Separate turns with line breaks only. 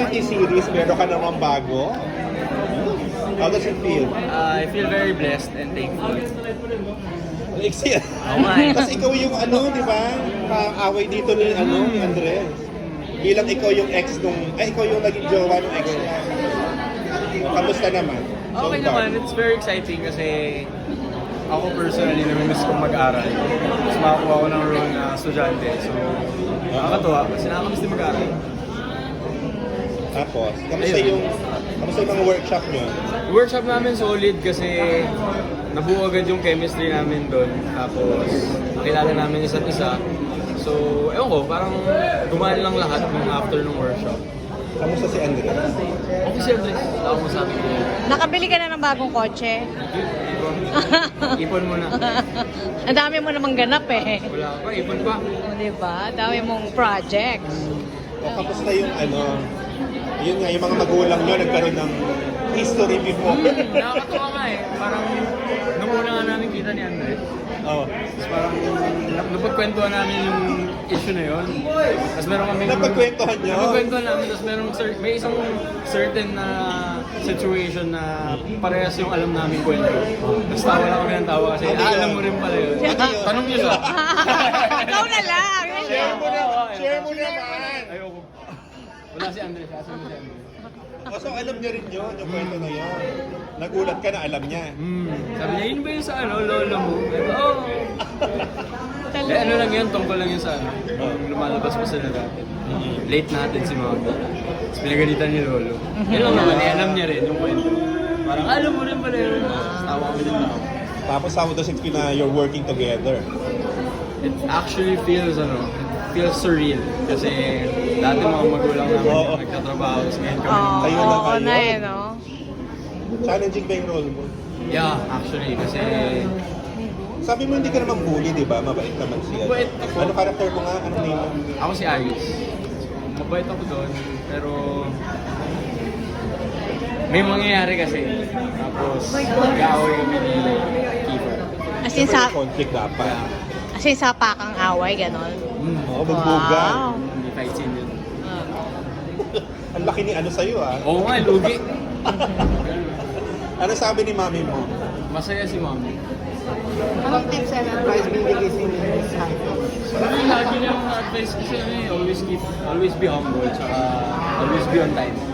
reality series, meron ka namang bago. How does it feel?
I feel very blessed and thankful.
Iksi.
Oh my.
Kasi ikaw yung di ba? Kaaway dito ni ni Andres. Bilang ikaw yung ex nung, ikaw yung naging jowa ng ex niya. Kamusta naman?
Okay naman, it's very exciting kasi ako personally namimiss kong mag-aral. Mas makakuha ko ng role na estudyante. So, nakakatuwa kasi nakakamiss din mag-aral.
Tapos, kamusta yung mga workshop nyo?
Yung workshop namin solid kasi nabuo agad yung chemistry namin doon. Tapos, nakilala namin isa't isa. So, ewan ko, parang gumaan lang lahat ng after ng workshop.
Kamusta si Andres?
Okay si Andres, wala akong masabi ko.
Nakabili ka na ng bagong kotse?
Ipon muna.
Ang dami mo namang ganap eh.
Wala pa, ipon pa.
O, diba? Ang dami mong projects.
O kamusta yung yun nga, yung mga magulang nyo nagkaroon ng history before.
Nakakatuwa nga eh. Parang nung una nga namin kita ni Andres.
Oh.
Tapos parang napagkwentuhan namin yung issue na yun. Tapos meron kami...
Napagkwentuhan nyo?
Napagkwentuhan namin. Tapos may isang certain na situation na parehas yung alam namin kwento. Tapos tawa lang kami ng tawa kasi alam mo rin pala yun. Tanong niyo siya.
Ikaw na lang.
Share mo naman! Share mo naman!
Ayoko. Wala si Andres. Asan mo si Andres?
So alam niya rin yun, yung kwento na yun. Nagulat ka na alam niya.
Sabi niya, yun ba yung sa lolo mo? Oo. Ano lang yun, tungkol lang yun sa Nung lumalabas pa sila dati. Late natin si Mama. Tapos pinagalitan ni Lolo. Yun lang naman, alam niya rin yung kwento. Parang alam mo rin pala yun. Tapos tawa kami ng tawa.
Tapos how does it feel na you're working together?
It actually feels surreal. Kasi dati mga magulang namin nagtatrabaho. Tapos ngayon kami
Kayo na
Oo
kayo.
na eh, no?
Challenging ba yung role mo?
Yeah, actually. Kasi
Sabi mo hindi ka naman bully, di ba? Mabait naman siya.
Mabait ako.
Ano character mo nga? Ano name mo?
ako si Ayos. Mabait ako doon. Pero may mangyayari kasi. Tapos mag-aaway kami ni Kiefer.
As in sa,
Conflict dapat.
as in sa pakang away, ganon.
Oo, magbugan.
Wow.
Hindi fight scene yun.
Ang laki ni sa'yo
Oo nga, lugi.
Ano sabi ni mami mo?
Masaya si Mami.
Anong tips and advice binigay sa inyo ni Simon?
Lagi niyang advice kasi always be humble, tsaka always be on time.